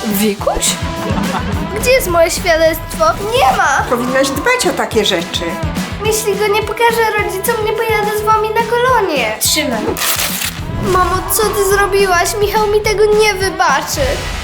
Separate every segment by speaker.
Speaker 1: Wikuś? Gdzie jest moje świadectwo? Nie ma!
Speaker 2: Powinnaś dbać o takie rzeczy.
Speaker 1: Jeśli go nie pokażę rodzicom, nie pojadę z wami na kolonie.
Speaker 3: Trzymaj.
Speaker 1: Mamo, co ty zrobiłaś? Michał mi tego nie wybaczy.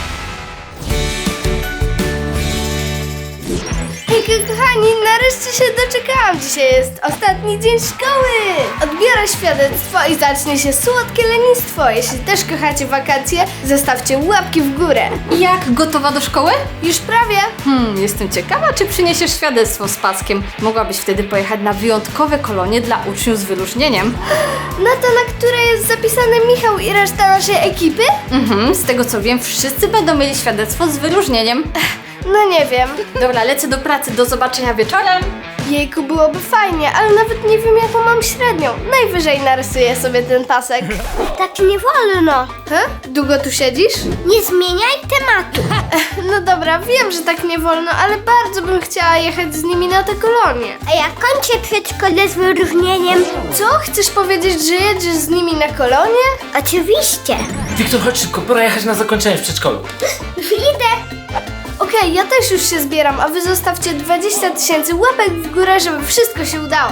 Speaker 1: Hejka, kochani, nareszcie się doczekałam. Dzisiaj jest ostatni dzień szkoły. Odbiorę świadectwo i zacznie się słodkie lenistwo. Jeśli też kochacie wakacje, zostawcie łapki w górę.
Speaker 3: Jak, gotowa do szkoły?
Speaker 1: Już prawie.
Speaker 3: Jestem ciekawa, czy przyniesiesz świadectwo z paskiem. Mogłabyś wtedy pojechać na wyjątkowe kolonie dla uczniów z wyróżnieniem.
Speaker 1: Na to, na które jest zapisany Michał i reszta naszej ekipy?
Speaker 3: Z tego co wiem, wszyscy będą mieli świadectwo z wyróżnieniem.
Speaker 1: No nie wiem.
Speaker 3: Dobra, lecę do pracy, do zobaczenia wieczorem.
Speaker 1: Jejku, byłoby fajnie, ale nawet nie wiem jaką mam średnią. Najwyżej narysuję sobie ten pasek.
Speaker 4: Tak nie wolno.
Speaker 1: Długo tu siedzisz?
Speaker 4: Nie zmieniaj tematu.
Speaker 1: No dobra, wiem, że tak nie wolno, ale bardzo bym chciała jechać z nimi na te kolonie.
Speaker 4: A ja kończę przedszkole z wyróżnieniem.
Speaker 1: Co? Chcesz powiedzieć, że jedziesz z nimi na kolonie?
Speaker 4: Oczywiście.
Speaker 5: Wiktor, chodź szybko, pora jechać na zakończenie w przedszkolu.
Speaker 4: Już idę.
Speaker 1: Okej, ja też już się zbieram, a wy zostawcie 20 000 łapek w górę, żeby wszystko się udało.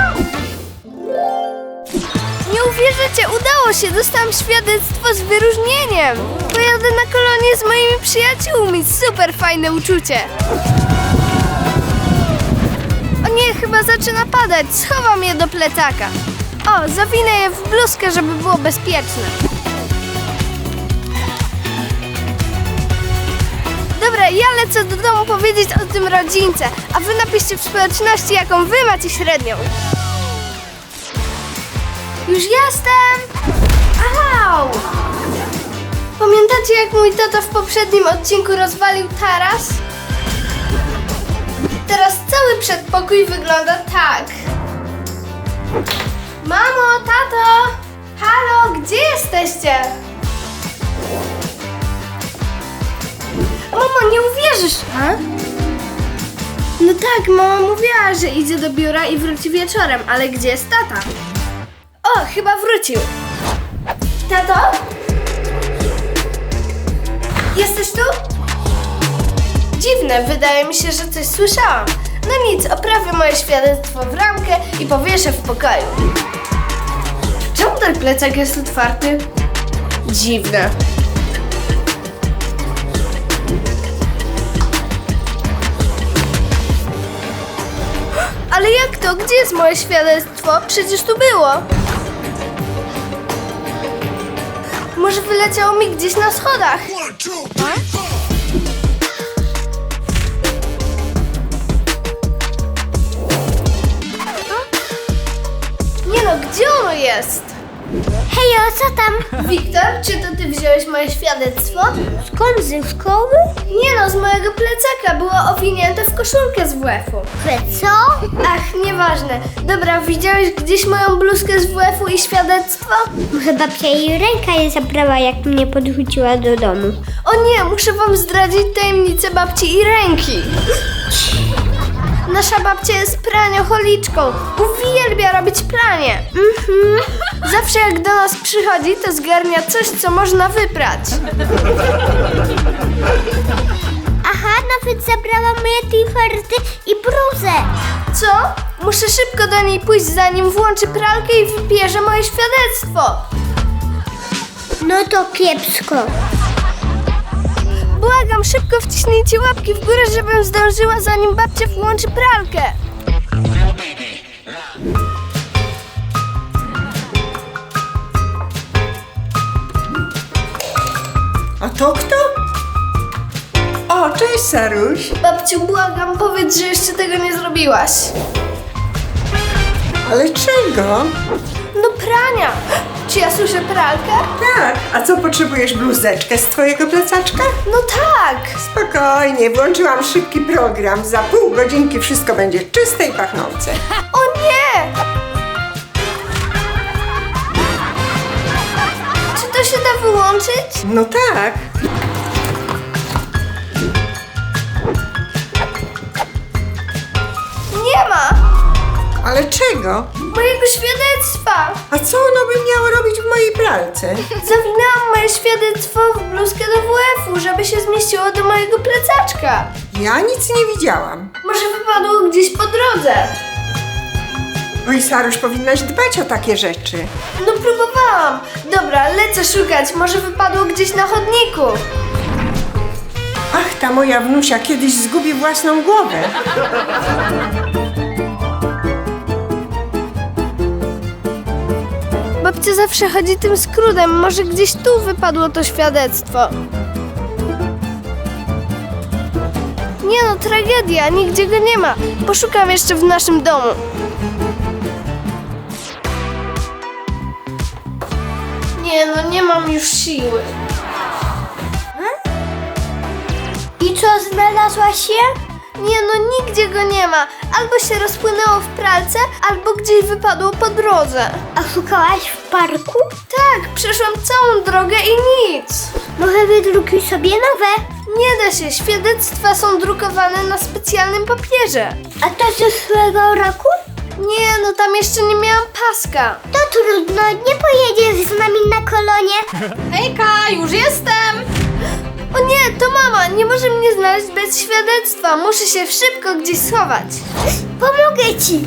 Speaker 1: Nie uwierzycie, udało się! Dostałam świadectwo z wyróżnieniem! Pojadę na kolonie z moimi przyjaciółmi. Super fajne uczucie! O nie, chyba zaczyna padać. Schowam je do plecaka. O, zawinę je w bluzkę, żeby było bezpieczne. Dobra, ja lecę do domu powiedzieć o tym rodzince, a wy napiszcie w społeczności, jaką wy macie średnią. Już jestem! Au! Pamiętacie, jak mój tata w poprzednim odcinku rozwalił taras? Teraz cały przedpokój wygląda tak. Mamo, tato! Halo, gdzie jesteście? Mamo, nie uwierzysz! No tak, mama mówiła, że idzie do biura i wróci wieczorem, ale gdzie jest tata? O, chyba wrócił. Tato? Jesteś tu? Dziwne, wydaje mi się, że coś słyszałam. No nic, oprawię moje świadectwo w ramkę i powieszę w pokoju. Czemu ten plecak jest otwarty? Dziwne. Ale jak to? Gdzie jest moje świadectwo? Przecież tu było. Może wyleciało mi gdzieś na schodach. Nie no, gdzie ono jest?
Speaker 4: Hejo, co tam?
Speaker 1: Wiktor, czy to ty wziąłeś moje świadectwo?
Speaker 4: Skąd ze szkoły?
Speaker 1: Nie no, z mojego plecaka. Było owinięte w koszulkę z WF-u.
Speaker 4: Że co?
Speaker 1: Ach, nieważne. Dobra, widziałeś gdzieś moją bluzkę z WF-u i świadectwo?
Speaker 4: Może babcia jej ręka je zabrała, jak mnie podrzuciła do domu.
Speaker 1: O nie, muszę wam zdradzić tajemnicę babci i ręki. Nasza babcia jest praniocholiczką. Uwielbia robić pranie. Zawsze jak do nas przychodzi, to zgarnia coś, co można wyprać.
Speaker 4: Aha, nawet zabrała moje t-shirty i bluzę.
Speaker 1: Co? Muszę szybko do niej pójść, zanim włączy pralkę i wybierze moje świadectwo.
Speaker 4: No to kiepsko.
Speaker 1: Błagam, szybko wciśnijcie łapki w górę, żebym zdążyła, zanim babcia włączy pralkę.
Speaker 2: A to kto? O, cześć Saruś.
Speaker 1: Babciu, błagam, powiedz, że jeszcze tego nie zrobiłaś.
Speaker 2: Ale czego?
Speaker 1: No prania. Czy ja słyszę pralkę?
Speaker 2: Tak, a co potrzebujesz bluzeczkę z twojego plecaczka?
Speaker 1: No tak.
Speaker 2: Spokojnie, włączyłam szybki program. Za pół godzinki wszystko będzie czyste i pachnące.
Speaker 1: O nie! Czy to się da wyłączyć?
Speaker 2: No tak.
Speaker 1: Nie ma.
Speaker 2: Ale czego?
Speaker 1: Mojego mojego świadectwa!
Speaker 2: A co ono by miało robić w mojej pralce?
Speaker 1: Zawinęłam moje świadectwo w bluzkę do WF-u, żeby się zmieściło do mojego plecaczka.
Speaker 2: Ja nic nie widziałam.
Speaker 1: Może wypadło gdzieś po drodze.
Speaker 2: Oj, Saruś, powinnaś dbać o takie rzeczy.
Speaker 1: No próbowałam. Dobra, lecę szukać. Może wypadło gdzieś na chodniku.
Speaker 2: Ach, ta moja wnusia kiedyś zgubi własną głowę.
Speaker 1: Babcia zawsze chodzi tym skrótem. Może gdzieś tu wypadło to świadectwo. Nie no, tragedia. Nigdzie go nie ma. Poszukam jeszcze w naszym domu. Nie no, nie mam już siły.
Speaker 4: I co, znalazłaś je?
Speaker 1: Nie no, nigdzie go nie ma. Albo się rozpłynęło w pralce, albo gdzieś wypadło po drodze.
Speaker 4: A szukałaś w parku?
Speaker 1: Tak, przeszłam całą drogę i nic.
Speaker 4: Może wydrukuj sobie nowe.
Speaker 1: Nie da się, świadectwa są drukowane na specjalnym papierze.
Speaker 4: A to z zeszłego roku?
Speaker 1: Nie no, tam jeszcze nie miałam paska.
Speaker 4: To trudno, nie pojedziesz z nami na kolonie.
Speaker 3: Hejka, już jestem!
Speaker 1: O nie, to mama, nie może mnie znaleźć bez świadectwa. Muszę się szybko gdzieś schować.
Speaker 4: Pomogę ci.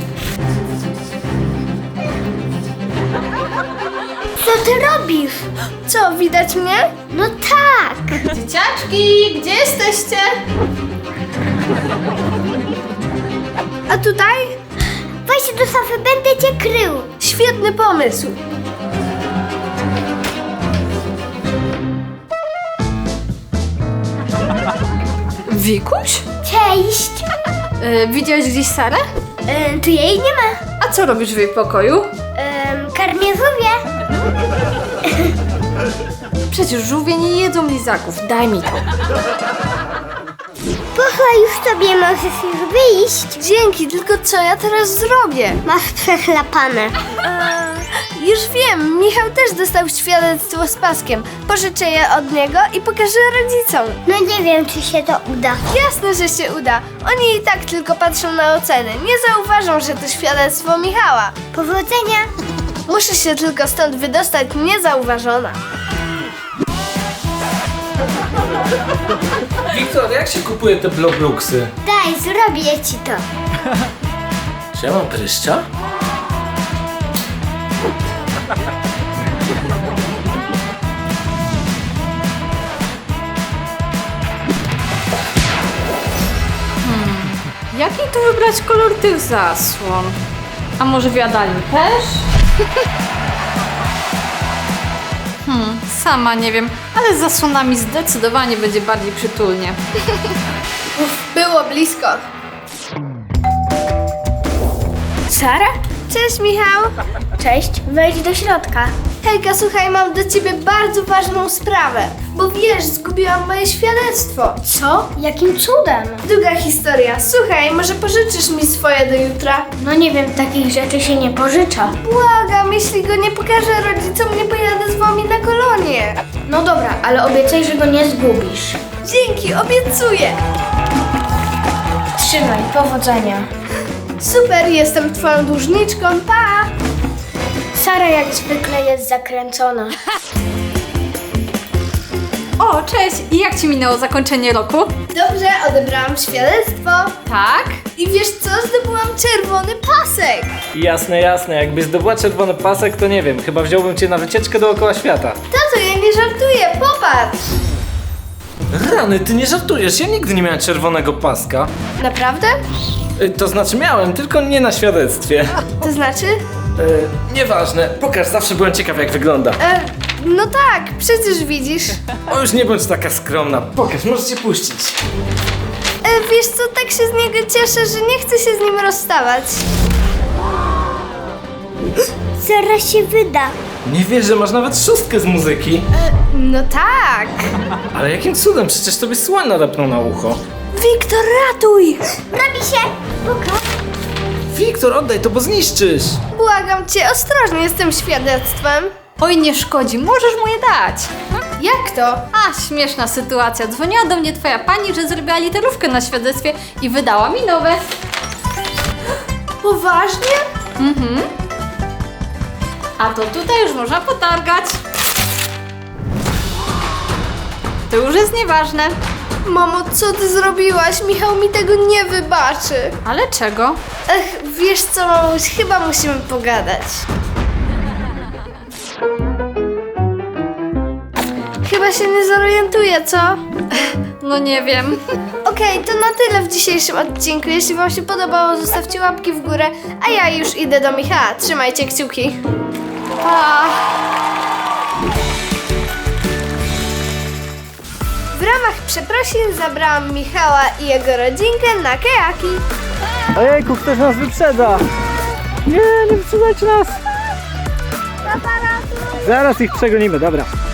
Speaker 4: Co ty robisz?
Speaker 1: Co, widać mnie?
Speaker 4: No tak.
Speaker 3: Dzieciaczki, gdzie jesteście?
Speaker 1: A tutaj?
Speaker 4: Weź do szafy, będę cię krył.
Speaker 1: Świetny pomysł.
Speaker 3: Wikuś?
Speaker 4: Cześć.
Speaker 3: Widziałeś gdzieś Sarę?
Speaker 4: Tu jej nie ma.
Speaker 3: A co robisz w jej pokoju?
Speaker 4: Karmię żółwie.
Speaker 3: Przecież żółwie nie jedzą lizaków, daj mi to.
Speaker 4: Poszła już sobie, możesz już wyjść.
Speaker 1: Dzięki, tylko co ja teraz zrobię?
Speaker 4: Masz przechlapane.
Speaker 1: Już wiem, Michał też dostał świadectwo z paskiem. Pożyczę je od niego i pokażę rodzicom.
Speaker 4: No nie wiem, czy się to uda.
Speaker 1: Jasne, że się uda. Oni i tak tylko patrzą na oceny. Nie zauważą, że to świadectwo Michała.
Speaker 4: Powodzenia.
Speaker 1: Muszę się tylko stąd wydostać niezauważona.
Speaker 5: Wiktor, jak się kupuje te blobluksy?
Speaker 4: Daj, zrobię ci to.
Speaker 5: Czy ja mam pryszcza?
Speaker 3: Jaki tu wybrać kolor tych zasłon? A może w jadalni też? Sama nie wiem, ale z zasłonami zdecydowanie będzie bardziej przytulnie.
Speaker 1: Było blisko. Sara? Cześć, Michał.
Speaker 4: Cześć, wejdź do środka.
Speaker 1: Hejka, słuchaj, mam do ciebie bardzo ważną sprawę. Bo wiesz, zgubiłam moje świadectwo.
Speaker 4: Co? Jakim cudem?
Speaker 1: Długa historia. Słuchaj, może pożyczysz mi swoje do jutra?
Speaker 4: No nie wiem, takich rzeczy się nie pożycza.
Speaker 1: Błagam, jeśli go nie pokażę rodzicom, nie pojadę z wami na kolonie.
Speaker 4: No dobra, ale obiecaj, że go nie zgubisz.
Speaker 1: Dzięki, obiecuję.
Speaker 4: Trzymaj, powodzenia.
Speaker 1: Super, jestem twoją dłużniczką, pa!
Speaker 4: Sara jak zwykle jest zakręcona.
Speaker 3: O, cześć! I jak ci minęło zakończenie roku?
Speaker 1: Dobrze, odebrałam świadectwo.
Speaker 3: Tak?
Speaker 1: I wiesz co? Zdobyłam czerwony pasek.
Speaker 5: Jasne, jasne. Jakbyś zdobyła czerwony pasek, to nie wiem. Chyba wziąłbym cię na wycieczkę dookoła świata.
Speaker 1: Tato, ja nie żartuję, popatrz.
Speaker 5: Rany, ty nie żartujesz. Ja nigdy nie miałem czerwonego paska.
Speaker 1: Naprawdę?
Speaker 5: To znaczy miałem, tylko nie na świadectwie.
Speaker 1: To znaczy?
Speaker 5: Nieważne. Pokaż, zawsze byłem ciekaw jak wygląda.
Speaker 1: No tak, przecież widzisz.
Speaker 5: O, już nie bądź taka skromna. Pokaż, możesz cię puścić.
Speaker 1: Wiesz co, tak się z niego cieszę, że nie chcę się z nim rozstawać.
Speaker 4: Zaraz się wyda.
Speaker 5: Nie wierzę, masz nawet szóstkę z muzyki.
Speaker 1: No tak.
Speaker 5: Ale jakim cudem? Przecież tobie słoń nadepnął na ucho.
Speaker 1: Wiktor, ratuj!
Speaker 4: Robi się. Pokaż.
Speaker 5: Wiktor, oddaj to, bo zniszczysz.
Speaker 1: Błagam cię, ostrożnie z tym świadectwem.
Speaker 3: Oj, nie szkodzi, możesz mu je dać.
Speaker 1: Jak to?
Speaker 3: A, śmieszna sytuacja. Dzwoniła do mnie twoja pani, że zrobiła literówkę na świadectwie i wydała mi nowe.
Speaker 1: Poważnie?
Speaker 3: A to tutaj już można potargać. To już jest nieważne.
Speaker 1: Mamo, co ty zrobiłaś? Michał mi tego nie wybaczy.
Speaker 3: Ale czego?
Speaker 1: Wiesz co, mamuś, chyba musimy pogadać. Chyba się nie zorientuję, co?
Speaker 3: No nie wiem.
Speaker 1: Okej, to na tyle w dzisiejszym odcinku. Jeśli wam się podobało, zostawcie łapki w górę, a ja już idę do Michała. Trzymajcie kciuki. Pa! W ramach przeprosin zabrałam Michała i jego rodzinkę na kajaki.
Speaker 5: Ojejku, ktoś nas wyprzedza! Nie wyprzedzajcie nas! Zaraz ich przegonimy, dobra.